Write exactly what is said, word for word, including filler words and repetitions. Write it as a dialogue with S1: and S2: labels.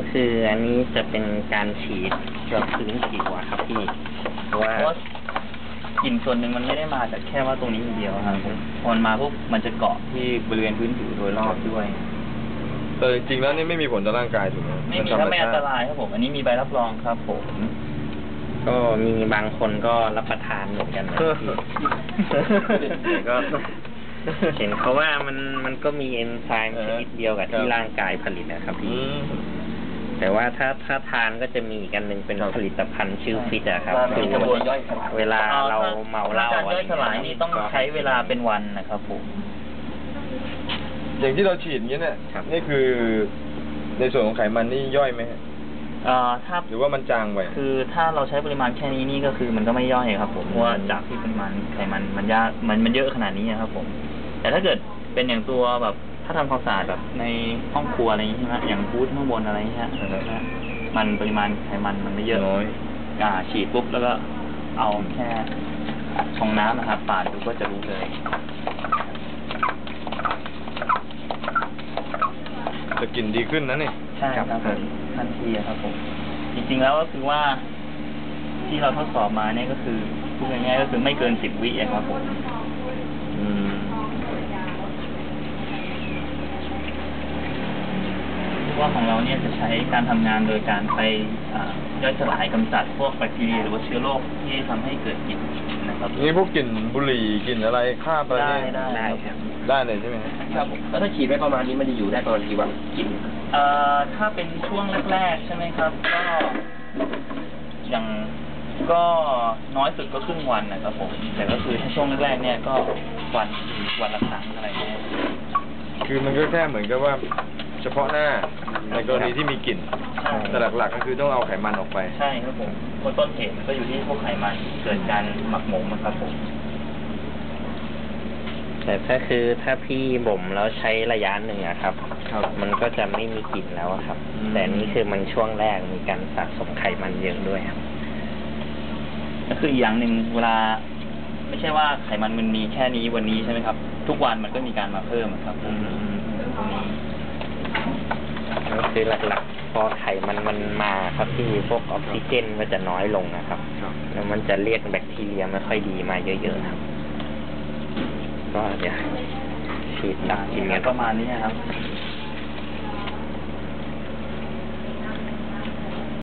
S1: คืออันนี้จะเป็นการฉีดเกือบพื้นผิวอะครับพี่เพราะว่ากลิ่นส่วนหนึ่งมันไม่ได้มาจากแค่ว่าตรงนี้อย่างเดียวครับพอมันมาปุ๊บมันจะเกาะที่บริเวณพื้นผิวโดยรอบด้วย
S2: แต่จริงๆแล้วนี่ไม่มีผลต่อร่างกายถูกไหม
S1: ไม่มีถ้าไม่อันตรายครับผมอันนี้มีใบรับรองครับผมก็มีบางคนก็รับประทานเหมือนกันนะก็เห็นเขาว่ามันมันก็มีเอนไซม์ชนิดเดียวกับที่ร่างกายผลิตนะครับพี่แต่ว่าถ้าถ้าทานก็จะมีอีกอันหนึ่งเป็นผลิตภัณฑ์ชื่อฟิตอะครับคือเวลาเราเมาเหล้าอะไรย่อยสลายนี่ต้องใช้เวลาเป็นวันนะครับผม
S2: อย่างที่เราฉีดอย่างนี้เนี่ยนี่คือในส่วนของไขมันนี่ย่อยไหมฮะ
S1: อ่าถ้า
S2: หรือว่ามันจางไป
S1: คือถ้าเราใช้ปริมาณแค่นี้นี่ก็คือมันก็ไม่ย่อยครับผมเพราะว่าจากที่ปริมาณไขมันมันยากมันมันเยอะขนาดนี้ครับผมแต่ถ้าเกิดเป็นอย่างตัวแบบถ้าทำความสะอาดแบบในห้องครัวอะไรอย่างนี้ใช่ไหมอย่างบูธข้างบนอะไรอย่างเงี้ยมันปริมาณไขมันมันไม่เยอะน้อยอ่าฉีดปุ๊บแล้วก็เอาแค่ชงน้ำนะครับปาดดูก็จะรู้เลย
S2: จะกลิ่นดีขึ้นนะนี่
S1: ใช่ครับทันทีครับผมจริงๆแล้วก็คือว่าที่เราทดสอบมาเนี่ยก็คือพูดง่ายๆก็คือไม่เกินสิบวิครับผมว่าของเราเนี่ยจะใช้การทำงานโดยการไปย่อยสลายกำจัดพวกแบคทีเรียหรือว่าเชื้อโรคที่ทำให้เกิดกลิ่นนะครับ
S2: นี่พวกกลิ่นบุหรี่กลิ่นอะไรคราบอะไร
S1: ได้ได้ครับ
S2: ได้เลยใช่ไหม
S3: ครับแล้วถ้าฉีดไว้ประมาณนี้มันจะอยู่ได้ประมาณกี่วันกลิ่น
S1: เอ่อถ้าเป็นช่วงแรกๆใช่ไหมครับก็อย่างก็น้อยสุดก็ครึ่งวันนะครับผมแต่ก็คือถ้าช่วงแรกๆเนี่ยก็วันวันละครั้งอะไรเงี้ย
S2: คือมันก็แค่เหมือนกับว่าเฉพาะหน้าในกรณีที่มีกลิ่นแต่หลักๆก็คือต้องเอาไขมันออกไป
S1: ใช่ครับผมคนต้นเหตุมันก็อยู่ที่พวกไขมันเกิดการหมักหมมนะครับผมแต่ถ้าคือถ้าพี่บ่มแล้วใช้ระยะหนึ่งอะครับมันก็จะไม่มีกลิ่นแล้วครับแต่นี่คือมันช่วงแรกมีการสะสมไขมันเยอะด้วยครับก็คืออย่างหนึ่งเวลาไม่ใช่ว่าไขมันมันมีแค่นี้วันนี้ใช่ไหมครับทุกวันมันก็มีการมาเพิ่มครับตรงนี้ก็คือหลักๆพอไขมันมันมาครับที่พวกออกซิเจนก็จะน้อยลงนะครับแล้วมันจะเรียกแบคทีเรียไม่ค่อยดีมาเยอะๆครับก็เดี๋ยวฉีดดักกินกันประมาณนี้ครับ